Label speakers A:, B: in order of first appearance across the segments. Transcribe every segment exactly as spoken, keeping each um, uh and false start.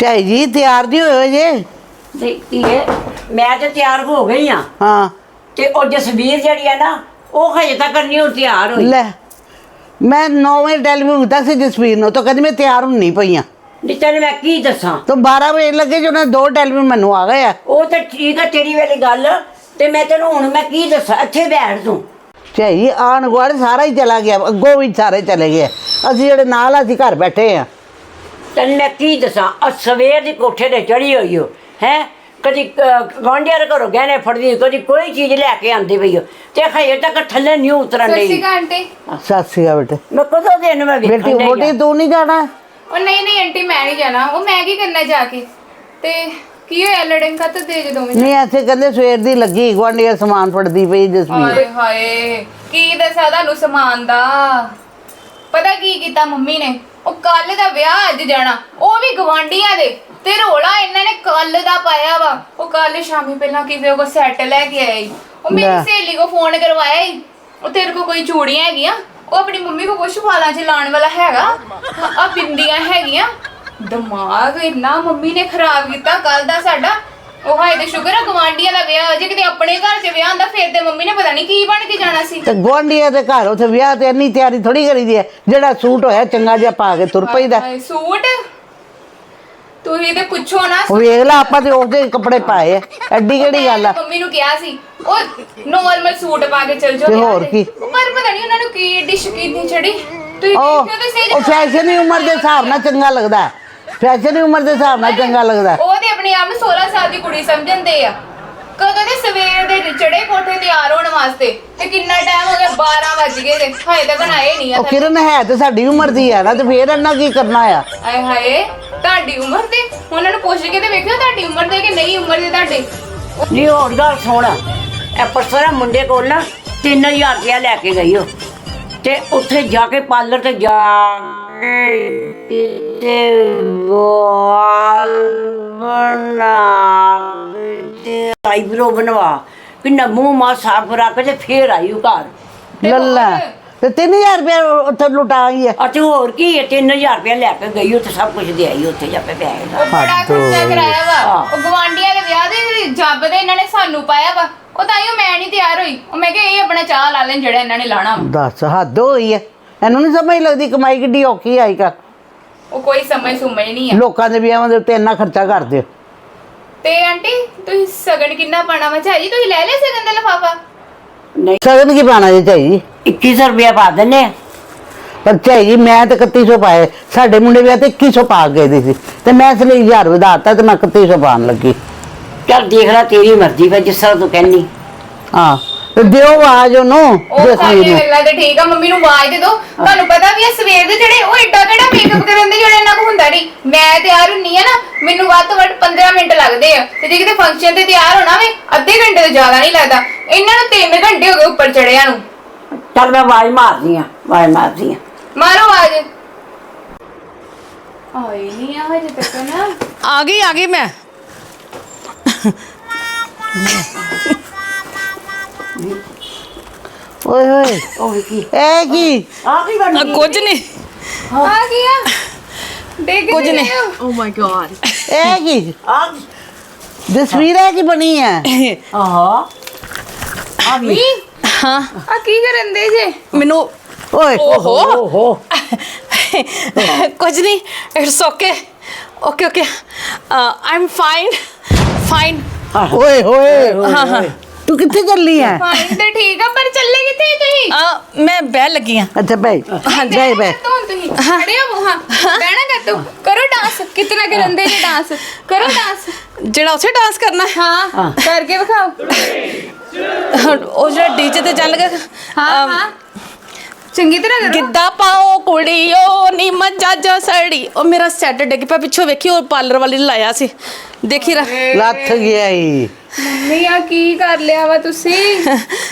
A: ਝਾਈ ਜੀ ਤਿਆਰ ਨਹੀਂ ਹੋਏ ਜੇ?
B: ਧੀਏ ਮੈਂ ਤੇ ਤਿਆਰ ਹੋ ਗਈ ਆ
A: ਹਾਂ
B: ਤੇ ਉਹ ਜਸਵੀਰ ਜਿਹੜੀ ਆ ਨਾ ਉਹ ਹਜੇ ਤੱਕ ਨਹੀਂ ਹੁਣ ਤਿਆਰ ਹੋਈ।
A: ਲੈ ਮੈਂ ਨੌ ਵਜੇ ਟੈਲੀਫੋਨ ਕੀਤਾ ਸੀ ਜਸਵੀਰ ਨੂੰ ਤਾਂ ਕਹਿੰਦੀ ਮੈਂ ਤਿਆਰ ਹੁੰਨੀ ਪਈ ਆ।
B: ਨਹੀਂ ਤੈਨੂੰ ਮੈਂ ਕੀ ਦੱਸਾਂ,
A: ਤਾਂ ਬਾਰਾਂ ਵਜੇ ਲੱਗੇ ਜੋ ਨਾ ਦੋ ਟੈਲੀਫੋਨ ਮੈਨੂੰ ਆ ਗਏ ਆ।
B: ਉਹ ਤਾਂ ਠੀਕ ਆ ਤੇਰੀ ਵਾਲੀ ਗੱਲ, ਤੇ ਮੈਂ ਤੈਨੂੰ ਹੁਣ ਮੈਂ ਕੀ ਦੱਸਾਂ, ਇੱਥੇ ਬੈਠ ਤੂੰ।
A: ਝਾਈ ਆਣ ਗੁਆਂਢ ਸਾਰਾ ਹੀ ਚਲਾ ਗਿਆ, ਅੱਗੋਂ ਵੀ ਸਾਰੇ ਚਲੇ ਗਏ, ਅਸੀਂ ਜਿਹੜੇ ਨਾਲ ਅਸੀਂ ਘਰ ਬੈਠੇ ਆ।
B: ਤੈਨੂੰ ਮੈਂ ਕੀ ਦੱਸਾਂ, ਆ ਸਵੇਰ ਦੀ ਕੋਠੇ ਤੇ ਚੜੀ ਹੋਈ ਹੋ ਹੈ, ਕਦੀ ਗਵਾਂਢੀਆਂ ਦੇ ਘਰੋਂ ਗਹਿਣੇ ਫੜਦੀ, ਕਦੀ ਕੋਈ ਚੀਜ਼ ਲੈ ਕੇ ਆਉਂਦੀ ਪਈ ਹੋ, ਤੇ ਹਜੇ ਤੱਕ ਥੱਲੇ ਨਹੀਂ ਉਤਰਨ
C: ਸਤਿ ਸ਼੍ਰੀ
B: ਡਈ।
C: ਅਕਾਲ ਆਂਟੀ।
A: ਸਤਿ ਸ਼੍ਰੀ ਅਕਾਲ ਬੇਟੇ।
B: ਮੈਂ ਕਦੋਂ ਦਿਨ ਮੈਂ
A: ਬੇਟੀ
B: ਵੇਖਣ ਡਈ
A: ਵੋਟੀ
B: ਆਂ।
A: ਤੂੰ ਨਹੀਂ ਜਾਣਾ?
C: ਉਹ ਨਹੀਂ ਨਹੀਂ ਆਂਟੀ ਮੈਂ ਨਹੀਂ ਜਾਣਾ, ਉਹ ਮੈਂ ਕੀ ਕਰਨਾ ਜਾ ਕੇ। ਤੇ ਕੀ ਹੋਇਆ ਲੜਨ ਕਾ ਤਾਂ ਦੇ ਜਦੋਂ ਮੈਂ
A: ਨਹੀਂ ਇੱਥੇ ਕਹਿੰਦੇ ਸਵੇਰ ਦੀ ਲੱਗੀ ਗੁਆਂਢੀਆਂ ਸਮਾਨ ਫੜਦੀ ਪਈ ਜਸਵੀਰ।
C: ਹਾਏ ਹਾਏ ਕੀ ਦੱਸਾਂ ਤੁਹਾਨੂੰ ਸਮਾਨ ਦਾ। ਪਤਾ ਕੀ ਕੀਤਾ ਮੰਮੀ ਨੇ, ਉਹ ਕੱਲ ਦਾ ਵਿਆਹ ਅੱਜ ਜਾਣਾ, ਉਹ ਵੀ ਗਵਾਂਢੀਆਂ ਦੇ, ਤੇ ਰੋਲਾ ਇਹਨਾਂ ਨੇ ਕੱਲ ਦਾ ਪਾਇਆ ਵਾ। ਉਹ ਕੱਲ ਸ਼ਾਮੀ ਪਹਿਲਾਂ ਕਿਸੇ ਕੋ ਸੈੱਟ ਲੈ ਕੇ ਆਇਆ ਈ, ਉਹ ਮੇਰੀ
A: ਲੈ।
C: ਸਹੇਲੀ ਕੋ ਫੋਨ ਕਰਵਾਇਆ ਈ, ਉਹ ਤੇਰੇ ਕੋ ਕੋਈ ਚੂੜੀਆਂ ਹੈਗੀਆਂ, ਉਹ ਆਪਣੀ ਮੰਮੀ ਕੋ ਕੁਛ ਵਾਲਾਂ 'ਚ ਲਾਉਣ ਵਾਲਾ ਹੈਗਾ, ਆ ਬਿੰਦੀਆਂ ਹੈਗੀਆਂ। ਦਿਮਾਗ ਇੰਨਾ ਮੰਮੀ ਨੇ ਖਰਾਬ ਕੀਤਾ ਕੱਲ ਦਾ ਸਾਡਾ। ਉਹ ਹਾਏ ਤੇ ਸ਼ੁਕਰ ਆ ਗਵਾਂਢੀਆਂ ਦਾ ਵਿਆਹ, ਜੇ ਕਿਤੇ ਆਪਣੇ ਘਰ 'ਚ ਵਿਆਹ ਹੁੰਦਾ ਫੇਰ ਤੇ ਮੰਮੀ ਨੇ ਪਤਾ ਨਹੀਂ ਕੀ ਬਣ ਕੇ ਜਾਣਾ ਸੀ।
A: ਤੇ ਗੁਆਂਢੀਆਂ ਦੇ ਘਰ ਉੱਥੇ ਵਿਆਹ ਤੇ ਇੰਨੀ ਤਿਆਰੀ ਥੋੜੀ ਕਰੀਦੀ ਹੈ, ਜਿਹੜਾ ਸੂਟ ਹੋਇਆ ਚੰਗਾ ਜਿਹਾ ਪਾ ਕੇ ਤੁਰ ਪਈਦਾ।
C: ਹਾਏ, ਸੂਟ ਤੁਸੀਂ ਤੇ ਪੁੱਛੋ ਨਾ।
A: ਉਹ ਵੇਖ ਲਾ ਆਪਾਂ ਤੇ ਉਹਦੇ ਕੱਪੜੇ ਪਾਏ ਆ, ਐਡੀ ਕਿਹੜੀ ਗੱਲ ਆ।
C: ਮੰਮੀ ਨੂੰ ਕਿਹਾ ਸੀ ਉਹ ਨੋਰਮਲ ਸੂਟ ਪਾ ਕੇ ਚਲ ਜਾਓ
A: ਤੇ
C: ਵਿਆਹ
A: ਹੋਰ
C: ਤੇ।
A: ਕੀ।
C: ਪਰ ਪਤਾ ਨਹੀਂ ਉਹਨਾਂ ਨੂੰ ਕੀ ਡਿਸ਼ ਕੀਤੀ ਚੜੀ। ਤੁਸੀਂ
A: ਉਹ
C: ਦੇਖਿਓ ਤੇ ਸਹੀ
A: ਉਹ ਫੈਸ਼ਨ ਦੀ ਉਮਰ ਦੇ ਹਿਸਾਬ ਨਾਲ ਚੰਗਾ ਲੱਗਦਾ, ਫੈਸ਼ਨ ਦੀ ਉਮਰ ਦੇ ਹਿਸਾਬ ਨਾਲ ਚੰਗਾ ਲੱਗਦਾ।
C: ਉਹ ਤੇ ਆਪਣੇ ਆਪ ਨੂੰ ਸੋਲਾਂ ਸਾਲ ਦੀ ਕੁੜੀ ਸਮਝਦੇ ਆ। ਕਦੋਂ ਦੇ ਸਵੇਰ ਦੇ ਚੜੇ ਕੋਠੇ ਤਿਆਰ ਹੋਣ ਵਾਸਤੇ, ਤੇ ਕਿੰਨਾ ਟਾਈਮ ਹੋ ਗਿਆ, ਬਾਰਾਂ ਵੱਜ ਗਏ ਤੇ ਹਾਏ ਤੱਕ ਆਏ ਨਹੀਂ ਆ।
A: ਉਹ ਕਿਰਨ ਹੈ ਤੇ ਸਾਡੀ ਉਮਰ ਦੀ ਆ ਨਾ, ਤੇ ਫੇਰ ਇਹਨਾਂ ਕੀ ਕਰਨਾ ਆ।
C: ਆਏ ਹਾਏ ਤੁਹਾਡੀ ਉਮਰ ਦੇ, ਉਹਨਾਂ ਨੂੰ ਪੁੱਛ ਕੇ ਤੇ ਵੇਖਿਓ ਤੁਹਾਡੀ ਉਮਰ ਦੇ ਕਿ ਨਹੀਂ ਉਮਰ ਦੇ ਤੁਹਾਡੇ।
B: ਨਹੀਂ ਹੋਰ ਗੱਲ ਸੁਣ, ਇਹ ਪਰਸੋਂ ਨਾ ਮੁੰਡੇ ਕੋਲ ਨਾ ਤਿੰਨ ਹਜ਼ਾਰ ਰੁਪਇਆ ਲੈ ਕੇ ਗਈ ਉਹ, ਤੇ ਉੱਥੇ ਜਾ ਕੇ ਪਾਰਲਰ ਤੇ ਜਾ ਕੇ ਤੇ ਵਾਲ ਬਣਾ ਤੇ ਆਈਬ੍ਰੋ ਬਣਵਾ, ਕਿੰਨਾ ਮੂੰਹ ਮਾ ਸਾਫ ਰੱਖ ਕੇ ਤੇ ਫੇਰ ਆਈ ਉਹ ਘਰ।
A: ਲੱਲਾ ਤੇ ਤਿੰਨ ਹਜ਼ਾਰ ਰੁਪਏ ਉੱਥੇ ਲੁਟਾ ਆਈ ਹੈ।
B: ਅਤੇ ਹੋਰ ਕੀ ਹੈ, ਤਿੰਨ ਹਜ਼ਾਰ ਰੁਪਇਆ ਲੈ ਕੇ ਗਈ, ਉੱਥੇ ਸਭ ਕੁਝ ਦੇ ਆਈ, ਉੱਥੇ ਜਾ ਕੇ ਪਿਆ
C: ਉਹ ਬੜਾ ਖਰਚਾ ਕਰਾਇਆ ਵਾ।
B: ਹਾਂ।
C: ਉਹ ਗਵਾਂਢੀਆਂ ਦੇ ਵਿਆਹ ਦੇ ਜੱਬ ਦੇ ਇਹਨਾਂ ਨੇ ਸਾਨੂੰ ਪਾਇਆ ਵਾ। ਉਹ ਤਾਂ ਹੀ ਮੈਂ ਨਹੀਂ ਤਿਆਰ ਹੋਈ। ਉਹ ਮੈਂ ਕਿਹਾ ਇਹ ਆਪਣਾ ਚਾਹ ਲਾ ਲੈਣ ਜਿਹੜਾ ਇਹਨਾਂ ਨੇ ਲਾਣਾ ਵਾ।
A: ਦੱਸ ਹੱਦ ਹੋਈ ਹੈ, ਇਹਨੂੰ ਨਹੀਂ ਸਮਝ ਲੱਗਦੀ ਕਮਾਈ ਕਿੱਡੀ ਔਖੀ ਆਈ ਕਰ।
C: ਉਹ ਕੋਈ ਸਮਝ ਸੁਮਝ ਨਹੀਂ ਆ।
A: ਲੋਕਾਂ ਦੇ ਵਿਆਹਾਂ ਦੇ ਉੱਤੇ ਇੰਨਾ ਖਰਚਾ ਕਰਦੇ ਹੋ।
C: ਤੇ ਆਂਟੀ ਤੁਸੀਂ ਸਗਨ ਕਿੰਨਾ ਪਾਣਾ ਵਾ? ਝਾਈ ਤੁਸੀਂ ਲੈ ਲਿਆ ਸਗਨ ਦਾ ਲਿਫਾਫਾ?
B: ਨਹੀਂ
A: ਸਗਨ ਕੀ ਪਾਣਾ ਜੇ ਝਾਈ ਜੀ?
B: ਇੱਕੀ ਸੌ ਰੁਪਇਆ ਪਾ ਦਿੰਦੇ ਆ।
A: ਪਰ ਝਾਈ ਜੀ ਮੈਂ ਤੇ ਇਕੱਤੀ ਸੌ ਪਾਏ, ਸਾਡੇ ਮੁੰਡੇ ਵਿਆਹ ਤੇ ਇੱਕੀ ਸੌ ਪਾ ਗਏ ਦੀ ਸੀ, ਤੇ ਮੈਂ ਇਸ ਲਈ ਹਜ਼ਾਰ ਵਧਾਤਾ ਤੇ ਮੈਂ ਇਕੱਤੀ ਸੌ ਪਾਉਣ ਲੱਗੀ।
B: ਚੱਲ ਦੇਖ ਲੈ ਤੇਰੀ ਮਰਜ਼ੀ ਵਾ, ਜਿਸ ਤਰ੍ਹਾਂ ਤੂੰ ਕਹਿੰਦੀ।
A: ਹਾਂ ਤੇ ਦਿਓ ਆਵਾਜ਼ ਉਹਨੂੰ
C: ਉਹ
A: ਜਸਵੀਰ
C: ਸਾਡੀ
A: ਨੂੰ।
C: ਗੱਲਾਂ ਤੇ ਠੀਕ ਆ, ਮੰਮੀ ਨੂੰ ਆਵਾਜ਼ ਦੇ ਦੋ। ਤੁਹਾਨੂੰ ਪਤਾ ਵੀ ਇਹ ਸਵੇਰ ਦੇ ਜਿਹੜੇ ਉਹ ਏਡਾ ਕਿਹੜਾ ਮੇਕਅਪ ਕਰਨ ਦੇ ਜਿਹੜੇ ਇਹਨਾਂ ਕੋ ਹੁੰਦਾ ਨਹੀਂ। ਮੈਂ ਤਿਆਰ ਹੁੰਨੀ ਆ ਨਾ, ਮੈਨੂੰ ਵੱਧ ਤੋਂ ਵੱਧ ਪੰਦਰਾਂ ਮਿੰਟ ਲੱਗਦੇ ਆ, ਤੇ ਜੇ ਕਿਤੇ ਫੰਕਸ਼ਨ ਤੇ ਤਿਆਰ ਹੋਣਾ ਵੇ ਅੱਧੇ ਘੰਟੇ ਤੋਂ ਜ਼ਿਆਦਾ ਨਹੀਂ ਲੱਗਦਾ। ਇਹਨਾਂ ਨੂੰ ਤਿੰਨ ਘੰਟੇ ਹੋ ਗਏ ਉੱਪਰ ਚੜਿਆਂ ਨੂੰ।
B: ਚੱਲ ਮੈਂ ਆਵਾਜ਼ ਮਾਰਦੀ ਆ, ਆਵਾਜ਼ ਮਾਰਦੀ ਆ।
C: ਮਾਰੋ ਆਵਾਜ਼। ਆਈ ਨਹੀਂ ਆ ਹਜੇ ਤੱਕ ਨਾ।
D: ਆ ਗਈ ਆ ਗਈ ਮੈਂ।
A: ਓਏ ਹੋਏ
B: ਉਹ ਕੀ
A: ਇਹ ਕੀ?
B: ਆ ਕੀ ਬਣ
D: ਆ,
B: ਗਈ?
D: ਕੁਝ ਨਹੀਂ
C: ਆ ਗਿਆ ਦੇਖ
D: ਕੁਝ ਨਹੀਂ।
C: Oh my God.
A: ਇਹ ਕੀ
B: ਆ
A: ਜਸਵੀਰ ਇਹ ਕੀ ਬਣੀ ਹੈ?
B: ਆਹ ਆ ਵੀ
D: ਹਾਂ
C: ਆ ਕੀ ਕਰਨ ਦੇ ਜੇ?
D: ਮੈਨੂੰ
A: ਓਏ
D: ਓਹੋ
B: ਓਹੋ
D: ਕੁਝ ਨਹੀਂ, it's okay okay okay I am fine fine.
A: ਓਏ ਹੋਏ
D: ਹਾਂ ਹਾਂ
A: ਤੂੰ ਕਿੱਥੇ ਚੱਲੀ ਹੈ?
C: ਫਾਈਨ ਤੇ ਠੀਕ ਆ, ਪਰ ਚੱਲੇ ਕਿੱਥੇ ਤੁਸੀਂ?
D: ਆ ਮੈਂ ਬਹਿ ਲੱਗੀ ਆ।
A: ਅੱਛਾ ਬਈ
D: ਹਾਂਜੀ।
A: ਬਈ ਬਈ
C: ਹੁਣ ਤੁਸੀਂ ਖੜੇ ਹੋ? ਹਾਂ ਬਹਿਣਾ ਕਰ ਤੂੰ। ਕਰੋ ਡਾਂਸ। ਕਿਤਨਾ ਕਰਨ ਦੇ ਜੇ ਡਾਂਸ? ਕਰੋ ਡਾਂਸ।
D: ਜਿਹੜਾ ਉੱਥੇ ਡਾਂਸ ਕਰਨਾ ਹੈ,
C: ਹਾਂ ਕਰਕੇ ਵਿਖਾਓ।
D: ਉਹ ਜਿਹੜਾ ਡੀਜੇ ਤੇ ਚੱਲ ਗਿਆ।
C: ਹਾਂ ਹਾਂ ਚੰਗੀ ਤਰ੍ਹਾਂ ਕਰੋ।
D: ਗਿੱਧਾ ਪਾਓ ਕੁੜੀਓ ਨੀ ਮੱਝਾਂ ਜੋ ਸੜੀ। ਉਹ ਮੇਰਾ ਸੈੱਟ ਡਿੱਗ ਪਿਆ ਪਿੱਛੋਂ, ਵੇਖੀ ਉਹ ਪਾਰਲਰ ਵਾਲੀ ਨੇ ਲਾਇਆ ਸੀ, ਦੇਖੀ ਰ
A: ਲੱਥ ਗਿਆ ਈ।
C: ਮੰਮੀ ਆ ਕੀ ਕਰ ਲਿਆ ਵਾ ਤੁਸੀਂ?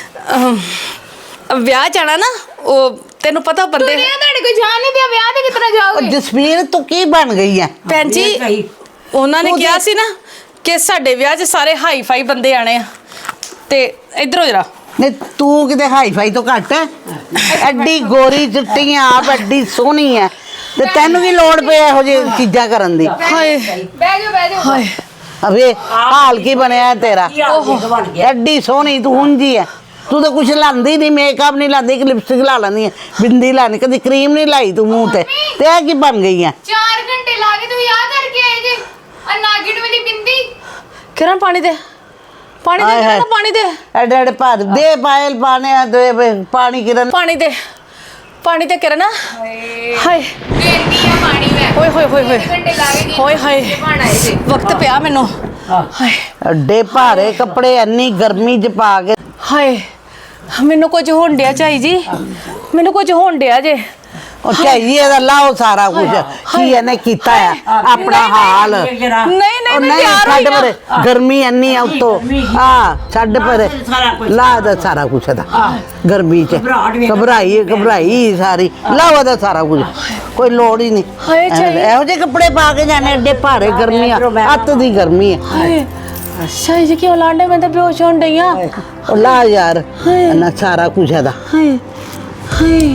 D: ਵਿਆਹ ਜਾਣਾ ਨਾ, ਉਹ ਤੈਨੂੰ ਪਤਾ ਬੰਦੇ।
C: ਦੁਨੀਆ ਤੁਹਾਡੇ ਕੋਈ ਜਾਣ ਨਹੀਂ ਦਿਆ, ਵਿਆਹ ਤੇ ਕਿਤਨਾ
A: ਉਹ
C: ਜਾਓਗੇ?
A: ਜਸਵੀਰ ਤੂੰ ਕੀ ਬਣ ਗਈ ਹੈ?
D: ਭੈਣ ਜੀ
B: ਸਹੀ।
D: ਉਹਨਾਂ ਨੇ
A: ਉਹਦੇ-
D: ਕਿਹਾ ਸੀ ਨਾ ਕਿ ਸਾਡੇ ਵਿਆਹ 'ਚ ਸਾਰੇ ਹਾਈ ਫਾਈ ਬੰਦੇ ਆਣੇ ਆ, ਤੇ ਇਧਰੋਂ ਜਰਾ
A: ਨਹੀਂ ਤੂੰ ਕਿਤੇ ਹਾਈ ਫਾਈ ਤੋਂ ਘੱਟ ਹੈ? ਐਡੀ ਗੋਰੀ ਚਿੱਟੀ ਆਪ ਐਡੀ ਸੋਹਣੀ ਹੈ, ਤੇ ਤੈਨੂੰ ਕੀ ਲੋੜ ਪਈ ਇਹੋ ਜਿਹੀ ਚੀਜ਼ਾਂ ਕਰਨ ਦੀ?
D: ਹਾਏ
C: ਬਹਿ ਜਾਓ ਬਹਿ ਜਾਓ
D: ਹਾਏ
A: ਅਵੇ ਹਾਲ ਕੀ ਬਣਿਆ ਤੇਰਾ?
B: ਕੀ ਹਾਲ ਦੇਖ ਬਣ ਗਿਆ
A: ਐਡੀ ਸੋਹਣੀ ਤੂੰ ਉਂਝੀ ਐ, ਤੂੰ ਤਾਂ ਕੁਛ ਲਾਂਦੀ ਨਹੀਂ, ਮੇਕਅਪ ਨਹੀਂ ਲਾਂਦੀ, ਇੱਕ ਲਿਪਸਟਿਕ ਲਾ ਲੈਂਦੀ ਹੈ, ਬਿੰਦੀ ਲਾਣੀ, ਕਦੀ ਕਰੀਮ ਨਹੀਂ ਲਾਈ ਤੂੰ ਮੂੰਹ ਤੇ ਤੇ ਇਹ ਕੀ ਬਣ ਗਈ ਆ?
C: ਚਾਰ ਘੰਟੇ ਲਾ ਕੇ ਤੁਸੀਂ ਆ ਕਰਕੇ ਆਏ ਜੇ ਆ ਨਾਗਿਨ ਵਾਲੀ ਬਿੰਦੀ।
D: ਕਿਰਨ ਪਾਣੀ ਦੇ ਪਾਣੀ ਦੇ
A: ਹਾਏ ਹਾਏ।
D: ਕਿਰਨ ਪਾਣੀ ਦੇ
A: ਐਡੇ ਐਡੇ ਭਰ ਦੇ ਪਾਇਲ ਪਾਣੇ ਆ ਦੇ ਵੇ- ਪਾਣੀ ਕਿਰਨ
D: ਪਾਣੀ ਦੇ ਪਾਣੀ ਦੇ ਕਿਰਨ
C: ਹਾਏ
D: ਹਾਏ
C: ਦੇਣੀ ਆ ਪਾਣੀ ਮੈਂ
D: ਓਏ ਹੋਏ ਹੋਏ ਹੋਏ
C: ਘੰਟੇ ਲਾ ਕੇ
D: ਹੋਏ ਹਾਏ
C: ਬਣ ਆਏ ਜੇ।
D: ਵਕਤ ਪਿਆ ਮੈਨੂੰ ਹਾਏ
A: ਐਡੇ ਭਾਰੇ ਕੱਪੜੇ ਇੰਨੀ ਗਰਮੀ 'ਚ ਪਾ ਕੇ
D: ਹਾਏ ਮੈਨੂੰ ਕੁਝ ਹੋਣ ਡਿਆ ਝਾਈ ਜੀ, ਮੈਨੂੰ ਕੁਝ ਹੋਣ ਡਿਆ ਜੇ।
A: ਉਹ ਚਾਹੀਏ ਦਾ ਲਾਓ ਸਾਰਾ ਕੁਝ ਕੀ ਇਹਨੇ ਕੀਤਾ ਆ ਆਪਣਾ ਹਾਲ।
B: ਇਹ ਜਰਾ
D: ਨਹੀਂ ਨਹੀਂ
A: ਉਹ
D: ਮੈਂ
A: ਨਹੀਂ
D: ਤਿਆਰ ਹੋਈ
A: ਛੱਡ
D: ਨਾ।
A: ਪਰੇ, ਗਰਮੀ ਇੰਨੀ ਆ ਉੱਤੋਂ ਆ ਛੱਡ ਪਰੇ,
B: ਸਾਰਾ ਕੁਛ।
A: ਲਾ ਦਾ ਸਾਰਾ ਕੁਝ ਦਾ ਗਰਮੀ 'ਚ
B: ਘਬਰਾਹਟ ਵੀ-
A: ਘਬਰਾਈ ਘਬਰਾਈ ਸਾਰੀ ਲਾਵਾ ਦਾ ਸਾਰਾ ਕੁਝ, ਕੋਈ ਲੋੜ ਹੀ ਨਹੀਂ।
D: ਹਾਏ ਝਾਈ।
A: ਇਹੋ ਜਿਹੇ ਕੱਪੜੇ ਪਾ ਕੇ ਜਾਣੇ ਐਡੇ ਭਾਰੇ ਗਰਮੀ ਆ, ਅੱਤ ਦੀ ਗਰਮੀ ਆ।
D: ਹਾਏ ਝਾਈ ਜੀ ਕਿਉਂ ਲਾਂਡੇ ਮੈਂ ਤਾਂ ਬੇਹੋਸ਼ ਹੋਣ ਡਈ ਆ।
A: ਉਹ ਲਾ ਯਾਰ ਨਾ ਸਾਰਾ ਕੁਝ ਇਹਦਾ
D: ਹਾਏ ਹਾਏ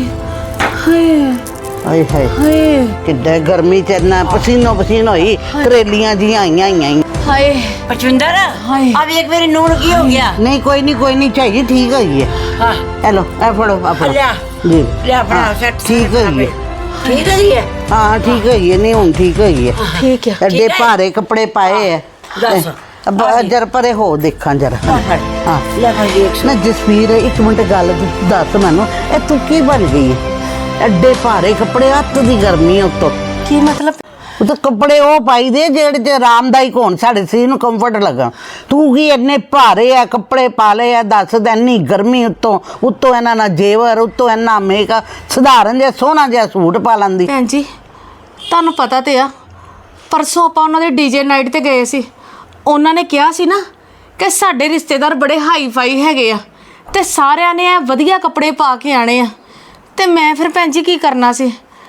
D: ਹਾਏ
A: ਆਏ ਹਾਏ
D: ਹਾਏ
A: ਕਿੱਡੇ ਗਰਮੀ 'ਚ ਇੰਨਾ ਪਸੀਨੋ ਪਸੀਨ ਹੋਈ, ਤਰੇਲੀਆਂ ਜੀਆਂ ਆਈਆਂ ਆਈਆਂ।
D: ਹਾਏ
B: ਪਚਵਿੰਦਰ
D: ਹਾਏ।
B: ਆ ਵੇਖ ਮੇਰੀ ਨੂੰਹ ਨੂੰ ਕੀ ਹੋ ਗਿਆ?
A: ਨਹੀਂ ਕੋਈ ਨਹੀਂ ਕੋਈ ਨਹੀਂ ਚਾਹੀਏ, ਠੀਕ ਹੋਈ ਹੈ।
B: ਹਾਂ
A: ਹੈਲੋ ਇਹ ਫੜੋ ਆ ਫੜੋ
B: ਲਿਆ।
A: ਜੀ
B: ਲਿਆ ਫੜਾ
A: ਹਾਂ,
B: ਸੈੱਟ
A: ਠੀਕ ਹੋਈ ਹੈ।
B: ਠੀਕ ਹੈ ਜੀ ਇਹ?
A: ਹਾਂ ਠੀਕ ਹੋਈ ਹੈ, ਨਹੀਂ ਹੁਣ ਠੀਕ ਹੋਈ ਹੈ।
D: ਠੀਕ ਹੈ
A: ਐਡੇ ਭਾਰੇ ਕੱਪੜੇ ਪਾਏ ਹੈ।
B: ਦੱਸ।
A: ਅਬ ਜਰ ਪਰੇ ਹੋ ਦੇਖਾਂ ਜਰਾ। ਹਾਂ
B: ਲੈ ਭਾਈ ਦੇਖ
A: ਨਾ ਜਸਵੀਰ ਇੱਕ ਮਿੰਟ ਗੱਲ ਦੱਸ ਮੈਨੂੰ, ਇਹ ਤੂੰ ਕੀ ਬਣ ਗਈ ਹੈ? ਐਡੇ ਭਾਰੇ ਕੱਪੜੇ, ਅੱਤ ਦੀ ਗਰਮੀ ਹੈ ਉੱਤੋਂ।
D: ਕੀ ਮਤਲਬ?
A: ਉਹ ਤਾਂ ਕੱਪੜੇ ਉਹ ਪਾਈ ਦੇ ਜਿਹੜੇ ਚ ਆਰਾਮਦਾਇਕ ਹੋਣ, ਸਾਡੇ ਸਰੀਰ ਨੂੰ ਕੰਫਰਟ ਲੱਗਣ। ਤੂੰ ਕੀ ਇੰਨੇ ਭਾਰੇ ਆ ਕੱਪੜੇ ਪਾ ਲਏ ਆ? ਦੱਸ ਤਾਂ ਇੰਨੀ ਗਰਮੀ ਉੱਤੋਂ ਉੱਤੋਂ ਇਹਨਾਂ ਨਾਲ ਜੇਵਰ, ਉੱਤੋਂ ਇੰਨਾ ਮੇਕਅਪ, ਸਧਾਰਨ ਜਿਹਾ ਸੋਹਣਾ ਜਿਹਾ ਸੂਟ ਪਾ ਲੈਂਦੀ।
D: ਭੈਣ ਜੀ ਤੁਹਾਨੂੰ ਪਤਾ ਤੇ ਆ, ਪਰਸੋਂ ਆਪਾਂ ਉਹਨਾਂ ਦੇ ਡੀਜੇ ਨਾਈਟ ਤੇ ਗਏ ਸੀ। ਉਹਨਾਂ ਨੇ ਕਿਹਾ ਸੀ ਨਾ ਕਿ ਸਾਡੇ ਰਿਸ਼ਤੇਦਾਰ ਬੜੇ ਹਾਈ ਫਾਈ ਹੈਗੇ ਆ ਤੇ ਸਾਰਿਆਂ ਨੇ ਇਹ ਵਧੀਆ ਕੱਪੜੇ ਪਾ ਕੇ ਆਣੇ ਆ। ਤੇ ਮੈਂ ਫਿਰ ਭੈਣ ਜੀ ਕੀ ਕਰਨਾ ਸੀ,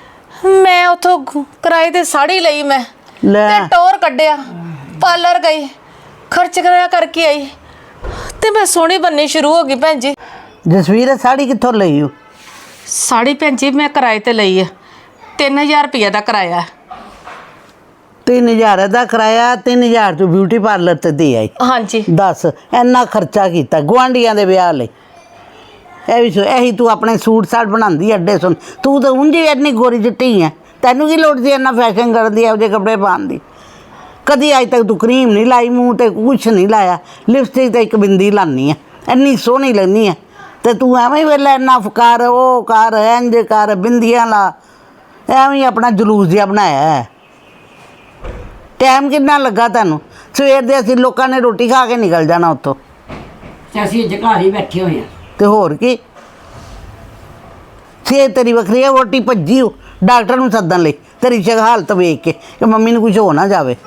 D: ਮੈਂ ਉੱਥੋਂ ਕਿਰਾਏ ਤੇ ਸਾੜੀ ਲਈ ਮੈਂ
A: ਲੈ
D: ਤੇ ਟੋਰ ਕੱਢਿਆ, ਪਾਰਲਰ ਗਈ, ਖਰਚ ਕਰਿਆ ਕਰਕੇ ਆਈ ਤੇ ਮੈਂ ਸੋਹਣੀ ਬੰਨੀ ਸ਼ੁਰੂ ਹੋ ਗਈ ਭੈਣ ਜੀ।
A: ਜਸਵੀਰ ਇਹ ਸਾੜੀ ਕਿੱਥੋਂ ਲਈ ਓ?
D: ਸਾੜੀ ਭੈਣ ਜੀ ਮੈਂ ਕਿਰਾਏ ਤੇ ਲਈ ਆ, ਤਿੰਨ ਹਜ਼ਾਰ ਰੁਪਈਆ ਦਾ ਕਿਰਾਇਆ।
A: ਤਿੰਨ ਹਜ਼ਾਰ ਦਾ ਕਿਰਾਇਆ, ਤਿੰਨ ਹਜ਼ਾਰ ਤੂੰ ਬਿਊਟੀ ਪਾਰਲਰ ਤੇ ਦੇ ਆਈ।
D: ਹਾਂਜੀ
A: ਦੱਸ ਇੰਨਾ ਖਰਚਾ ਕੀਤਾ ਗੁਆਂਢੀਆਂ ਦੇ ਵਿਆਹ ਲਈ। ਇਹ ਵੀ ਸੋ ਇਹੀ ਤੂੰ ਆਪਣੇ ਸੂਟ ਸਾਟ ਬਣਾਉਂਦੀ ਅੱਡੇ ਸੁਣ, ਤੂੰ ਤਾਂ ਉਂਝ ਹੀ ਇੰਨੀ ਗੋਰੀ ਚਿੱਟੀ ਹੈ, ਤੈਨੂੰ ਕੀ ਲੋੜ ਸੀ ਇੰਨਾ ਫੈਸ਼ਨ ਕਰਨ ਦੀ, ਇਹੋ ਜਿਹੇ ਕੱਪੜੇ ਪਾਉਣ ਦੀ? ਕਦੀ ਅੱਜ ਤੱਕ ਤੂੰ ਕਰੀਮ ਨਹੀਂ ਲਾਈ, ਮੂੰਹ ਤੇ ਕੁਛ ਨਹੀਂ ਲਾਇਆ, ਲਿਪਸਟਿਕ ਤੇ ਇੱਕ ਬਿੰਦੀ ਲਾਨੀ ਹੈ, ਇੰਨੀ ਸੋਹਣੀ ਲੱਗਨੀ ਹੈ। ਤੇ ਤੂੰ ਐਵੇਂ ਹੀ ਵੇਲੇ ਇੰਨਾ ਫਕਾਰ ਉਹ ਕਰ ਇੰਜ ਕਰ ਬਿੰਦੀਆਂ ਲਾ, ਐਵੇਂ ਹੀ ਆਪਣਾ ਜਲੂਸ ਜਿਹਾ ਬਣਾਇਆ ਹੈ। ਟਾਈਮ ਕਿੰਨਾ ਲੱਗਾ ਤੈਨੂੰ? ਸਵੇਰ ਦੇ ਅਸੀਂ ਲੋਕਾਂ ਨੇ ਰੋਟੀ ਖਾ ਕੇ ਨਿਕਲ ਜਾਣਾ ਉੱਥੋਂ,
B: ਤੇ ਅਸੀਂ ਅੱਜ ਘਰ ਹੀ ਬੈਠੇ ਹੋਏ ਆ।
A: ਤੇ ਹੋਰ ਕੀ ਸਿਹਤ ਤੇਰੀ ਵੱਖਰੀ ਹੈ, ਵੋਟੀ ਭੱਜੀ ਹੋ ਡਾਕਟਰ ਨੂੰ ਸੱਦਣ ਲਈ ਤੇਰੀ ਸ਼ਕ ਹਾਲਤ ਵੇਖ ਕੇ ਕਿ ਮੰਮੀ ਨੂੰ ਕੁਝ ਹੋ ਨਾ ਜਾਵੇ।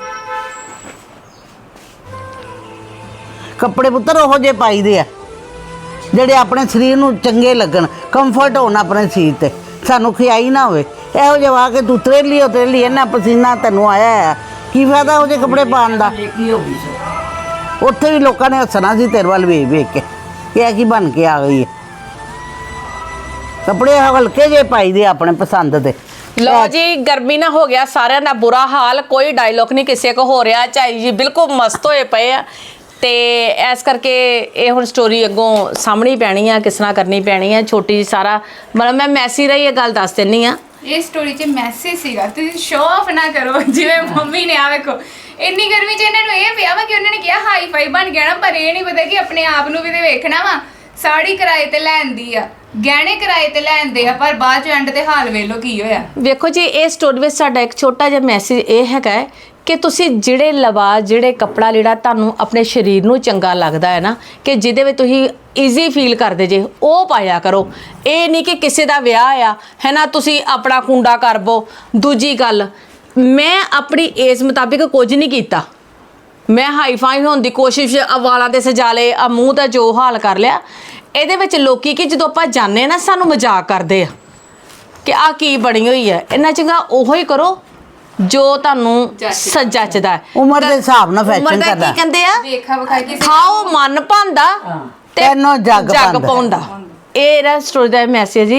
A: ਕੱਪੜੇ ਪੁੱਤਰ ਉਹੋ ਜਿਹੇ ਪਾਈਦੇ ਆ ਜਿਹੜੇ ਆਪਣੇ ਸਰੀਰ ਨੂੰ ਚੰਗੇ ਲੱਗਣ, ਕੰਫਰਟ ਹੋਣ ਆਪਣੇ ਸਰੀਰ ਤੇ, ਸਾਨੂੰ ਖਿਆਈ ਨਾ ਹੋਵੇ। ਇਹੋ ਜਿਹੇ ਵਾ ਕੇ ਤੂੰ ਤਰੇਲੀ ਹੋ ਤਰੇਲੀ, ਇੰਨਾ ਪਸੀਨਾ ਤੈਨੂੰ ਆਇਆ ਆ, ਕੀ ਫਾਇਦਾ ਉਹ ਜਿਹੇ ਕੱਪੜੇ ਪਾਉਣ ਦਾ?
B: ਇਹ ਕੀ ਹੋ ਗਈ ਸੋ?
A: ਉੱਥੇ ਵੀ ਲੋਕਾਂ ਨੇ ਹੱਸਣਾ ਸੀ ਤੇਰੇ ਵੱਲ ਵੇਖ ਵੇਖ ਕੇ ਕਿ ਇਹ ਕੀ ਬਣ ਕੇ ਆ ਗਈ ਹੈ। ਕੱਪੜੇ ਹਲਕੇ ਜਿਹੇ ਪਾਈਦੇ ਆਪਣੇ ਪਸੰਦ ਦੇ।
D: ਲੋ ਜੀ ਗਰਮੀ ਨਾ ਹੋ ਗਿਆ ਸਾਰਿਆਂ ਦਾ ਬੁਰਾ ਹਾਲ, ਕੋਈ ਡਾਇਲੋਗ ਨਹੀਂ ਕਿਸੇ ਕੋ ਹੋ ਰਿਹਾ। ਝਾਈ ਜੀ ਬਿਲਕੁਲ ਮਸਤ ਹੋਏ ਪਏ ਆ ਤੇ ਇਸ ਕਰਕੇ ਇਹ ਹੁਣ ਸਟੋਰੀ ਅੱਗੋਂ ਸਾਹਮਣੀ ਪੈਣੀ ਆ, ਕਿਸ ਤਰ੍ਹਾਂ ਕਰਨੀ ਪੈਣੀ ਆ। ਛੋਟੀ ਜੀ ਸਾਰਾ ਮਤਲਬ ਮੈਂ ਮੈਸੀ ਰਹੀ ਇਹ ਗੱਲ ਦੱਸ ਦਿੰਨੀ ਆ।
C: ਇਹ ਸਟੋਰੀ 'ਚ ਮੈਸੇਜ ਸੀਗਾ, ਤੁਸੀਂ ਸ਼ੋਅ ਆਫ ਨਾ ਕਰੋ ਜਿਵੇਂ ਮੰਮੀ ਨੇ। ਆ ਵੇਖੋ ਇੰਨੀ ਗਰਮੀ 'ਚ ਇਹਨਾਂ ਨੂੰ ਇਹ ਪਿਆ ਵਾ ਕਿ ਉਹਨਾਂ ਨੇ ਕਿਹਾ ਹਾਈ ਫਾਈ ਬਣ ਗਿਆ ਨਾ, ਪਰ ਇਹ ਨਹੀਂ ਪਤਾ ਕਿ ਆਪਣੇ ਆਪ ਨੂੰ ਵੀ ਤੇ ਵੇਖਣਾ ਵਾ। ਸਾੜੀ ਕਿਰਾਏ ਤੇ ਲੈਂਦੀ ਆ, ਗਹਿਣੇ ਕਿਰਾਏ ਤੇ ਲੈਂਦੇ ਆ, ਪਰ ਬਾਅਦ 'ਚ ਐਂਡ ਤੇ ਹਾਲ ਵੇਖ ਲਓ ਕੀ ਹੋਇਆ।
D: ਵੇਖੋ ਜੀ ਇਹ ਸਟੋਰੀ ਵਿੱਚ ਸਾਡਾ ਇੱਕ ਛੋਟਾ ਜਿਹਾ ਮੈਸੇਜ ਇਹ ਹੈਗਾ ਹੈ ਕਿ ਤੁਸੀਂ ਜਿਹੜੇ ਲਿਬਾਸ, ਜਿਹੜੇ ਕੱਪੜਾ ਲੀੜਾ ਤੁਹਾਨੂੰ ਆਪਣੇ ਸਰੀਰ ਨੂੰ ਚੰਗਾ ਲੱਗਦਾ ਹੈ ਨਾ, ਕਿ ਜਿਹਦੇ ਵਿੱਚ ਤੁਸੀਂ ਈਜ਼ੀ ਫੀਲ ਕਰਦੇ ਜੇ, ਉਹ ਪਾਇਆ ਕਰੋ। ਇਹ ਨਹੀਂ ਕਿ ਕਿਸੇ ਦਾ ਵਿਆਹ ਆ ਹੈ ਨਾ ਤੁਸੀਂ ਆਪਣਾ ਕੁੰਡਾ ਕਰਬੋ। ਦੂਜੀ ਗੱਲ, ਮੈਂ ਆਪਣੀ ਏਜ ਮੁਤਾਬਿਕ ਕੁਝ ਨਹੀਂ ਕੀਤਾ, ਮੈਂ ਹਾਈ ਫਾਈ ਹੋਣ ਦੀ ਕੋਸ਼ਿਸ਼, ਆ ਵਾਲਾਂ ਤੇ ਸਜਾ ਲਏ, ਆ ਮੂੰਹ ਦਾ ਜੋ ਹਾਲ ਕਰ ਲਿਆ। ਇਹਦੇ ਵਿੱਚ ਲੋਕੀ ਕਿ ਜਦੋਂ ਆਪਾਂ ਜਾਂਦੇ ਨਾ ਸਾਨੂੰ ਮਜ਼ਾਕ ਕਰਦੇ ਆ ਕਿ ਆ ਕੀ ਬਣੀ ਹੋਈ ਹੈ। ਇੰਨਾ ਚੰਗਾ ਉਹੋ ਹੀ ਕਰੋ ਜੋ ਤੁਹਾਨੂੰ ਸੱਜਦਾ ਹੈ।
A: ਉਮਰ ਦੇ ਹਿਸਾਬ ਨਾਲ
D: ਉਮਰ
A: ਫੈਸ਼ਨ
D: ਦਾ
A: ਕਰਦਾ।
D: ਕੀ ਕਹਿੰਦੇ ਆ,
C: ਵੇਖਾ ਵਿਖਾਈ ਕਿਸੇ
D: ਖਾਓ ਮਨ ਭਾਂਦਾ ਤੇ
A: ਤੈਨੂੰ ਜੱਗ
D: ਜੱਗ
A: ਪਾਉਂਦਾ।
D: ਪਾਉਂਦਾ। ਇਹ ਰਾ ਸਟੋਰੀ ਦਾ ਮੈਸੇਜ ਜੀ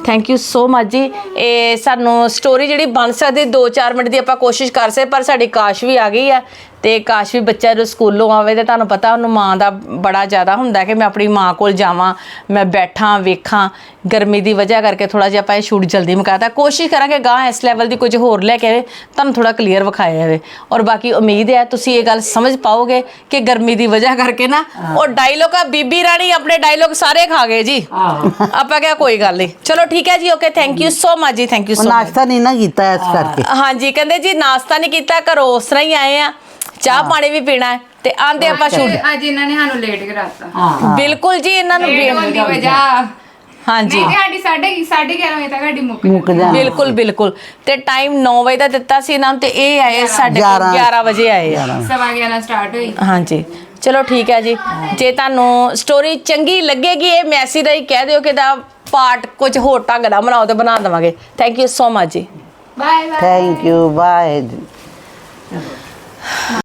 D: ਥੈਂਕ ਯੂ ਸੋ ਮਚ ਜੀ। ਇਹ ਸਾਨੂੰ ਸਟੋਰੀ ਜਿਹੜੀ ਬਣ ਸਕਦੀ ਦੋ ਚਾਰ ਮਿੰਟ ਦੀ ਆਪਾਂ ਕੋਸ਼ਿਸ਼ ਕਰ ਸਕਦੇ, ਪਰ ਸਾਡੀ ਕਾਸ਼ ਵੀ ਆ ਗਈ ਆ ਤੇ ਕਾਸ਼ ਵੀ ਬੱਚਾ ਜਦੋਂ ਸਕੂਲੋਂ ਆਵੇ ਤੇ ਤੁਹਾਨੂੰ ਪਤਾ ਉਹਨੂੰ ਮਾਂ ਦਾ ਬੜਾ ਜ਼ਿਆਦਾ ਹੁੰਦਾ ਕਿ ਮੈਂ ਆਪਣੀ ਮਾਂ ਕੋਲ ਜਾਵਾਂ, ਮੈਂ ਬੈਠਾਂ ਵੇਖਾਂ। ਗਰਮੀ ਦੀ ਵਜ੍ਹਾ ਕਰਕੇ ਥੋੜਾ ਜਿਹਾ ਆਪਾਂ ਇਹ ਸ਼ੂਟ ਜਲਦੀ ਮੁਕਾਤਾ। ਕੋਸ਼ਿਸ਼ ਕਰਾਂਗੇ ਗਾਂ ਇਸ ਲੈਵਲ ਦੀ ਕੁਝ ਹੋਰ ਲੈ ਕੇ ਆਵੇ, ਤੁਹਾਨੂੰ ਥੋੜਾ ਕਲੀਅਰ ਵਿਖਾਇਆ ਜਾਵੇ। ਔਰ ਬਾਕੀ ਉਮੀਦ ਹੈ ਤੁਸੀਂ ਇਹ ਗੱਲ ਸਮਝ ਪਾਓਗੇ ਕਿ ਗਰਮੀ ਦੀ ਵਜ੍ਹਾ ਕਰਕੇ ਨਾ ਉਹ ਡਾਇਲੋਗ ਆ ਬੀਬੀ ਰਾਣੀ ਆਪਣੇ ਡਾਇਲੋਗ ਸਾਰੇ ਖਾ ਗਏ ਜੀ। ਆਪਾਂ ਕਿਹਾ ਕੋਈ ਗੱਲ ਨਹੀਂ, ਚਲੋ ਠੀਕ ਹੈ ਜੀ, okay, thank you so much ਜੀ, ਥੈਂਕ ਯੂ ਸੋ ਮਚ।
A: ਨਾਸ਼ਤਾ ਨਹੀਂ ਨਾ ਕੀਤਾ ਇਸ ਕਰਕੇ।
D: ਹਾਂਜੀ ਕਹਿੰਦੇ ਜੀ ਨਾਸ਼ਤਾ ਨਹੀਂ ਕੀਤਾ, ਘਰੋਂ ਉਸ ਤਰ੍ਹਾਂ ਹੀ ਆਏ ਆ, ਚਾਹ ਪਾਣੀ ਵੀ ਪੀਣਾ ਹੈ ਤੇ ਆਂਦੇ ਆਪਾਂ ਸ਼ੂਟ।
C: ਅੱਜ ਇਹਨਾਂ ਨੇ ਸਾਨੂੰ ਲੇਟ ਕਰਾਤਾ।
D: ਬਿਲਕੁਲ ਜੀ, ਇਹਨਾਂ ਨੂੰ
C: ਲੇਟ ਹੋਣ ਦੀ ਵਜ੍ਹਾ
D: ਹਾਂਜੀ
C: ਨਹੀਂ ਤੇ ਸਾਡੀ ਸਾਢੇ ਸਾਢੇ ਗਿਆਰਾਂ ਵਜੇ ਤੱਕ ਸਾਡੀ ਮੁੱਕ
A: ਮੁੱਕ
C: ਜਾਂਦੀ।
A: ਜਾ
D: ਬਿਲਕੁਲ ਬਿਲਕੁਲ ਤੇ ਟਾਈਮ ਨੌ ਵਜੇ ਦਾ ਦਿੱਤਾ ਸੀ ਇਹਨਾਂ ਨੂੰ ਤੇ ਇਹ ਆਏ ਸਾਡੇ ਕੋਲ ਗਿਆਰਾਂ ਵਜੇ ਆਏ ਆ।
C: ਸਵਾ ਗਿਆਰਾਂ ਸਟਾਰਟ ਹੋਈ।
D: ਹਾਂਜੀ ਚਲੋ ਠੀਕ ਹੈ ਜੀ। ਜੇ ਤੁਹਾਨੂੰ ਸਟੋਰੀ ਚੰਗੀ ਲੱਗੇਗੀ ਇਹ ਮੈਸੇਜ ਦਾ ਹੀ ਕਹਿ ਦਿਓ ਕਿ ਦਾ ਪਾਰਟ ਕੁਝ ਹੋਰ ਢੰਗ ਦਾ ਬਣਾਓ ਤੇ ਬਣਾ ਦੇਵਾਂਗੇ। ਥੈਂਕ ਯੂ ਸੋ ਮਚ ਜੀ।
C: Bye bye.
A: Thank you bye.